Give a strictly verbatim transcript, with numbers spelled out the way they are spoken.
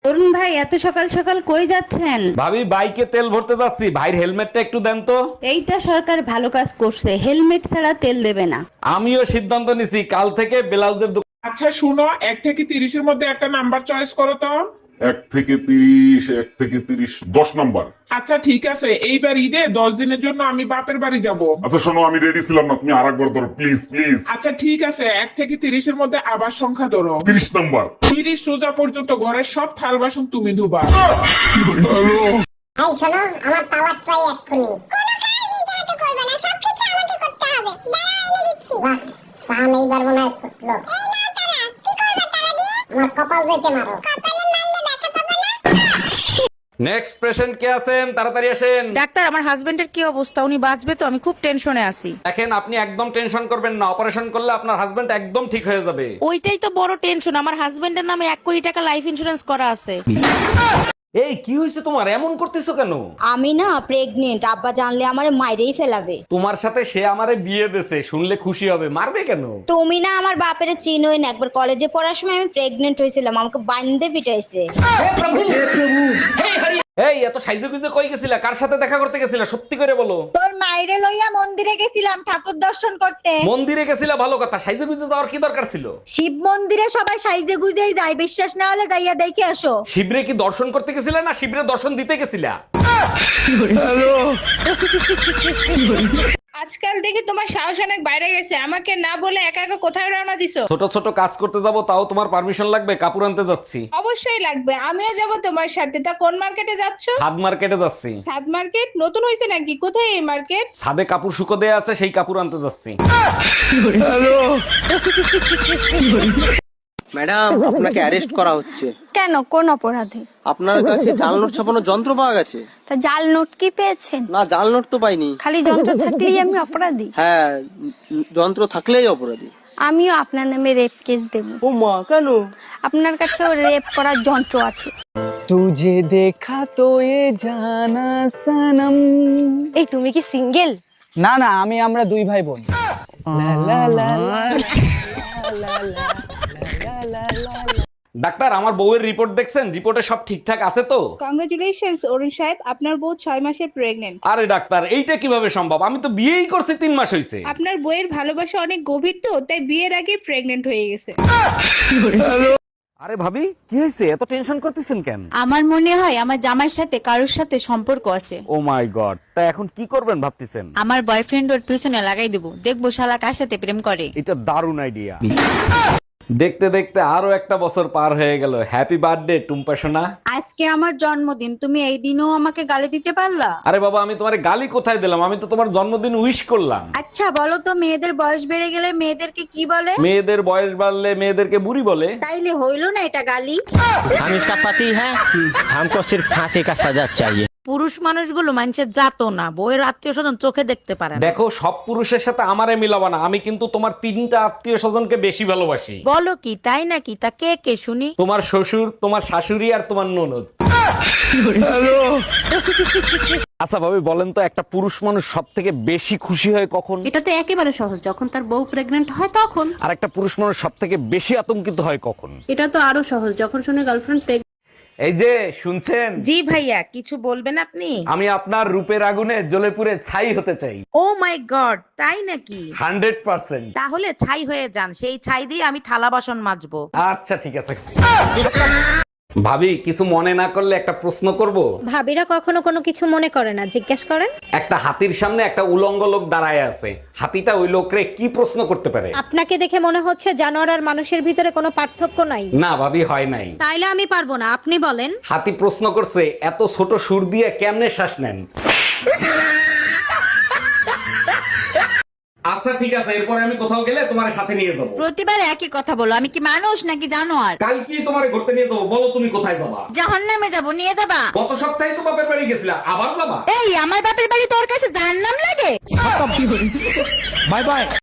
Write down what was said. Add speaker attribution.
Speaker 1: অরুণ ভাই, এত সকাল সকাল কই যাচ্ছেন?
Speaker 2: ভাবি বাইকে তেল ভরতে যাচ্ছি, ভাইয়ের হেলমেটটা একটু দেন তো।
Speaker 1: এইটা সরকার ভালো কাজ করছে, হেলমেট ছাড়া তেল দেবে না।
Speaker 2: আমিও সিদ্ধান্ত নিছি, কাল থেকে ব্লাউজের দোকান।
Speaker 3: আচ্ছা শুনো, এক থেকে তিরিশের মধ্যে একটা নাম্বার চয়েস করো তো।
Speaker 4: এক থেকে তিরিশ এক থেকে তিরিশ দশ নাম্বার।
Speaker 3: আচ্ছা ঠিক আছে, এইবার ঈদে দশ দিনের জন্য আমি বাপের বাড়ি যাব।
Speaker 4: আচ্ছা শোনো, আমি রেডি ছিলাম না, তুমি আর একবার ধরো প্লিজ প্লিজ।
Speaker 3: আচ্ছা ঠিক আছে, এক থেকে তিরিশের মধ্যে আবার সংখ্যা ধরো।
Speaker 4: তিরিশ নাম্বার।
Speaker 3: তিরিশ সোজা পর্যন্ত ঘরের সব থাল বাসন তুমি ধুবা।
Speaker 5: এই শোনো, আমার পাওয়ার চাই এক্ষুনি। কোনো কাজ নিজে হাতে করবে না, সবকিছু আমাকে করতে হবে। দাঁড়াও, এনে দিচ্ছি। বাহ, সাম এইবার মনে হয় ছুটলো। এই নাও তারা, কি করবে তারা দিয়ে? আমার কপাল যেতে মারো। কপালে মারলে ব্যথা পাবে না।
Speaker 2: নেক্সট পেশেন্ট কে আছেন? তাড়াতাড়ি আসেন।
Speaker 6: ডাক্তার, আমার হাজবেন্ডের কি অবস্থা? উনি বাঁচবে তো? আমি খুব টেনশনে আছি।
Speaker 2: দেখেন, আপনি একদম টেনশন করবেন না, অপারেশন করলে আপনার হাজবেন্ড একদম ঠিক হয়ে যাবে।
Speaker 6: ওইটাই তো বড় টেনশন, আমার হাজবেন্ডের নামে এক কোটি টাকা লাইফ ইন্সুরেন্স করা আছে।
Speaker 2: এই কি হয়েছে তোমার, এমন করতেছো কেন?
Speaker 7: আমি না প্রেগনেন্ট, আব্বা জানলে আমারে মাইরেই ফেলাবে।
Speaker 2: তোমার সাথে সে আমারে বিয়ে দেছে, শুনলে খুশি হবে, মারবে কেন?
Speaker 7: তুমি না আমার বাপের চিনোই না, একবার কলেজে পড়ার সময় আমি প্রেগনেন্ট হয়েছিলাম, আমাকে বান্ধে পিটাইছে।
Speaker 2: এই এত সাইজে গুজে কই গেছিলা? কার সাথে দেখা করতে গেছিলা? সত্যি করে বলো।
Speaker 7: তোর মাইরে লইয়া মন্দিরে গেছিলাম ঠাকুর দর্শন করতে।
Speaker 2: মন্দিরে গেছিলা ভালো কথা, সাইজে গুজে যাওয়ার কি দরকার ছিল?
Speaker 7: শিব মন্দিরে সবাই সাইজে গুজেই যায়, বিশ্বাস না হলে যাইয়া দেখে আসো।
Speaker 2: শিবরে কি দর্শন করতে গেছিলা না শিবরে দর্শন দিতে গেছিলা?
Speaker 8: আজকাল দেখি তোমার সাহস অনেক বাইরে গেছে, আমাকে না বলে একা একা কোথায় রওনা দিছো?
Speaker 2: ছোট ছোট কাজ করতে যাব, তাও তোমার পারমিশন লাগবে? কাপড় আনতে যাচ্ছি।
Speaker 8: অবশ্যই লাগবে, আমিও যাব তোমার সাথে। তা কোন মার্কেটে যাচ্ছো?
Speaker 2: ছাদ মার্কেটে যাচ্ছি।
Speaker 8: ছাদ মার্কেট নতুন হয়েছে নাকি? কোথায় এই মার্কেট?
Speaker 2: ছাদে কাপড় শুকো দেয়া আছে, সেই কাপড় আনতে যাচ্ছি।
Speaker 9: ম্যাডাম, আপনাকে অ্যারেস্ট করা হচ্ছে।
Speaker 10: কেন, কোন অপরাধে?
Speaker 9: আপনার কাছে জাল নোট ছাপানোর যন্ত্র পাওয়া গেছে।
Speaker 10: তা জাল নোট কি পেয়েছেন?
Speaker 9: না, জাল নোট তো পাইনি।
Speaker 10: খালি যন্ত্র থাকলেই আমি অপরাধী?
Speaker 9: হ্যাঁ, উম, যন্ত্র থাকলেই অপরাধী।
Speaker 10: আমিও আপনার নামে রেপ কেস দেব।
Speaker 9: ও মা, কেন?
Speaker 10: আপনার কাছেও রেপ করার যন্ত্র আছে।
Speaker 9: তুঝে দেখা তো এ জানা সনম।
Speaker 10: এই তুমি কি সিঙ্গেল?
Speaker 9: না না, আমি আমরা দুই ভাই বোন। লা লা লা লা লা লা লা লা।
Speaker 2: ডাক্তার, আমার বউয়ের রিপোর্ট দেখছেন? রিপোর্টে সব ঠিকঠাক আছে তো?
Speaker 8: কংগ্রেচুলেশনস অরুণ সাহেব, আপনার বউ ছয় মাসের প্রেগনেন্ট।
Speaker 2: আরে ডাক্তার, এইটা কিভাবে সম্ভব? আমি তো বিয়েই করছি, তিন মাস হয়েছে।
Speaker 8: আপনার বইয়ের ভালোবাসা অনেক গভীর তো, তাই বিয়ের আগে প্রেগনেন্ট হয়ে গেছে।
Speaker 2: আরে ভাবি, কি হয়েছে? এত টেনশন করতেছেন কেন?
Speaker 6: আমার মনে হয় আমার জামাইয়ের সাথে কারোর সাথে সম্পর্ক আছে।
Speaker 2: ও মাই গড, তা এখন কি করবেন ভাবতেছেন?
Speaker 6: আমার বয়ফ্রেন্ড ওর পিছনে লাগাই দেবো, দেখবো শালা কার সাথে প্রেম করে।
Speaker 2: এটা দারুণ আইডিয়া। দেখতে দেখতে আরো একটা বছর পার হয়ে গেল। হ্যাপি বার্থডে টুম্পা সোনা।
Speaker 7: আজকে আমার জন্মদিন, তুমি এই দিনও আমাকে গালি দিতে পারলা?
Speaker 2: আরে বাবা, আমি তোমার গালি কোথায় দিলাম? আমি তো তোমার জন্মদিন উইশ করলাম।
Speaker 7: আচ্ছা বলো তো, মেয়েদের বয়স বেড়ে গেলে মেয়েদেরকে কি বলে?
Speaker 2: মেয়েদের বয়স বাড়লে মেয়েদেরকে বুড়ি বলে।
Speaker 7: তাইলে হইলো না এটা গালি?
Speaker 9: हम इसका पति है, हमको सिर्फ फांसी का सजा चाहिए।
Speaker 6: পুরুষ মানুষগুলো মানুষের জাতো না, বইয়ের আত্মীয় স্বজন চোখে দেখতে পারে না।
Speaker 2: দেখো, সব পুরুষের সাথে আমারে মিলাবা না। আমি কিন্তু তোমার তিনটা আত্মীয় স্বজনকে বেশি ভালোবাসি।
Speaker 6: বলো কি, তাই নাকি? তা কে কে শুনি?
Speaker 2: তোমার শ্বশুর, তোমার শাশুড়ি আর তোমার ননদ। আচ্ছা ভাবি, বলেন তো, একটা পুরুষ মানুষ সব থেকে বেশি খুশি হয় কখন?
Speaker 1: এটা তো একেবারে সহজ, যখন তার বউ প্রেগনেন্ট হয় তখন।
Speaker 2: আর একটা পুরুষ মানুষ সব থেকে বেশি আতঙ্কিত হয় কখন?
Speaker 1: এটা তো আরো সহজ, যখন শুনে গার্লফ্রেন্ড প্রেগনেন্ট।
Speaker 2: এই যে শুনছেন,
Speaker 6: জি ভাইয়া, কিছু বলবেন আপনি?
Speaker 2: আমি আপনার রূপের আগুনে জ্বলে পুড়ে ছাই হতে চাই।
Speaker 6: ও মাই গড, তাই নাকি?
Speaker 2: Hundred percent.
Speaker 6: তাহলে ছাই হয়ে যান, সেই ছাই দিয়ে আমি থালা বাসন মাজবো।
Speaker 2: আচ্ছা ঠিক আছে। ভাবি, কিছু মনে না করলে একটা প্রশ্ন করব?
Speaker 1: ভাবিরা কখনো কোনো কিছু মনে করে না, জিজ্ঞেস করেন।
Speaker 2: একটা হাতির সামনে একটা উলঙ্গ লোক দাঁড়ায় আছে। হাতিটা ওই লোকরে কি প্রশ্ন করতে পারে?
Speaker 1: আপনাকে দেখে মনে হচ্ছে জানোয়ার আর মানুষের ভিতরে কোনো পার্থক্য নাই।
Speaker 2: না ভাবি, হয় নাই।
Speaker 1: তাইলে আমি পারবো না, আপনি বলেন।
Speaker 2: হাতি প্রশ্ন করছে, এত ছোট সুর দিয়ে কেমনে শ্বাস নেন? আচ্ছা ঠিক আছে, এরপরে আমি কোথাও গেলে তোমার সাথে নিয়ে যাবো।
Speaker 7: প্রতিবার একই কথা বলো, আমি কি মানুষ নাকি জানোয়ার?
Speaker 2: কালকে তোমার ঘুরতে নিয়ে যাবো, বলো তুমি কোথায় যাবা?
Speaker 7: জাহান্নামে যাবো, নিয়ে যাবা?
Speaker 2: গত সপ্তাহে তো বাপের বাড়ি গেছিলা, আবার যাবা?
Speaker 7: এই আমার বাপের বাড়ি তোর কাছে জাহান্নাম লাগে?
Speaker 9: Bye bye.